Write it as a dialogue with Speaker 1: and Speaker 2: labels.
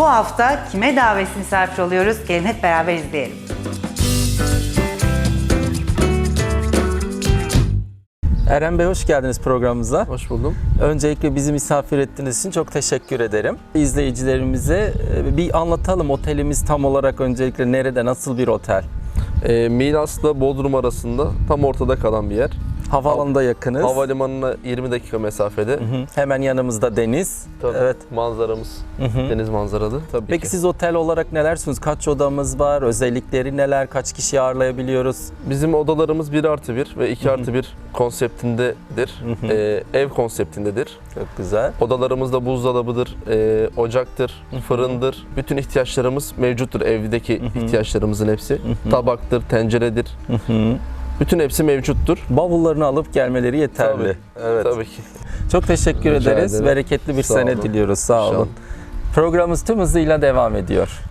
Speaker 1: Bu hafta kime davetsiz misafir oluyoruz? Gelin hep beraber izleyelim.
Speaker 2: Eren Bey, hoş geldiniz programımıza.
Speaker 3: Hoş buldum.
Speaker 2: Öncelikle bizi misafir ettiğiniz için çok teşekkür ederim. İzleyicilerimize bir anlatalım, otelimiz tam olarak öncelikle nerede, nasıl bir otel?
Speaker 3: Milas'la Bodrum arasında tam ortada kalan bir yer.
Speaker 2: Havaalanına yakınız.
Speaker 3: Havalimanına 20 dakika mesafede.
Speaker 2: Hemen yanımızda deniz.
Speaker 3: Tabii,
Speaker 2: Evet.
Speaker 3: manzaramız deniz manzaralı tabii
Speaker 2: Peki
Speaker 3: ki.
Speaker 2: siz otel olarak nelersunuz? Kaç odamız var? Özellikleri neler? Kaç kişi ağırlayabiliyoruz?
Speaker 3: Bizim odalarımız 1+1 ve 2+1 konseptindedir. Ev konseptindedir.
Speaker 2: Çok güzel.
Speaker 3: Odalarımızda buzdolabıdır, ocaktır, fırındır. Bütün ihtiyaçlarımız mevcuttur. Evdeki ihtiyaçlarımızın hepsi. Tabaktır, tenceredir. Bütün hepsi mevcuttur.
Speaker 2: Bavullarını alıp gelmeleri yeterli.
Speaker 3: Tabii,
Speaker 2: Evet.
Speaker 3: tabii ki.
Speaker 2: Çok teşekkür
Speaker 3: Rica
Speaker 2: ederiz.
Speaker 3: ederim.
Speaker 2: Bereketli bir
Speaker 3: Sağ
Speaker 2: sene
Speaker 3: olun.
Speaker 2: diliyoruz. Sağ olun.
Speaker 3: İnşallah.
Speaker 2: Programımız tüm hızıyla devam ediyor.